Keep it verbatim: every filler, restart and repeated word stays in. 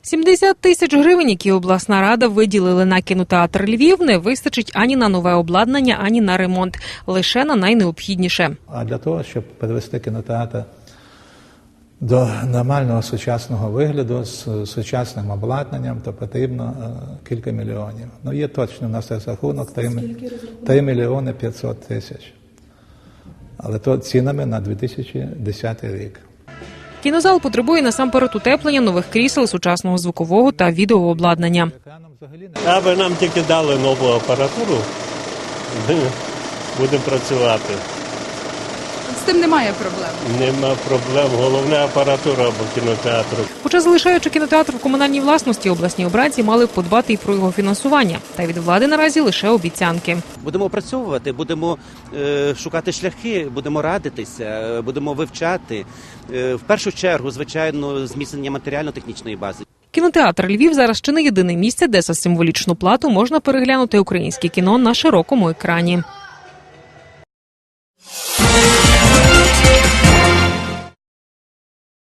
сімдесят тисяч гривень, які обласна рада виділили на кінотеатр Львів, не вистачить ані на нове обладнання, ані на ремонт. Лише на найнеобхідніше. А для того, щоб перевести кінотеатр до нормального сучасного вигляду з сучасним обладнанням, то потрібно кілька мільйонів. Ну, є точно у нас розрахунок три мільйони п'ятсот тисяч. Але то цінами на дві тисячі десятий рік. Кінозал потребує насамперед утеплення, нових крісел, сучасного звукового та відеообладнання. Аби нам тільки дали нову апаратуру, ми будемо працювати. З тим немає проблем? Нема проблем. Головне апаратура або кінотеатру. Хоча, залишаючи кінотеатр в комунальній власності, обласні обранці мали б подбати і про його фінансування. Та від влади наразі лише обіцянки. Будемо опрацьовувати, будемо е, шукати шляхи, будемо радитися, е, будемо вивчати. Е, в першу чергу, звичайно, зміцнення матеріально-технічної бази. Кінотеатр Львів зараз чи не єдине місце, де за символічну плату можна переглянути українське кіно на широкому екрані.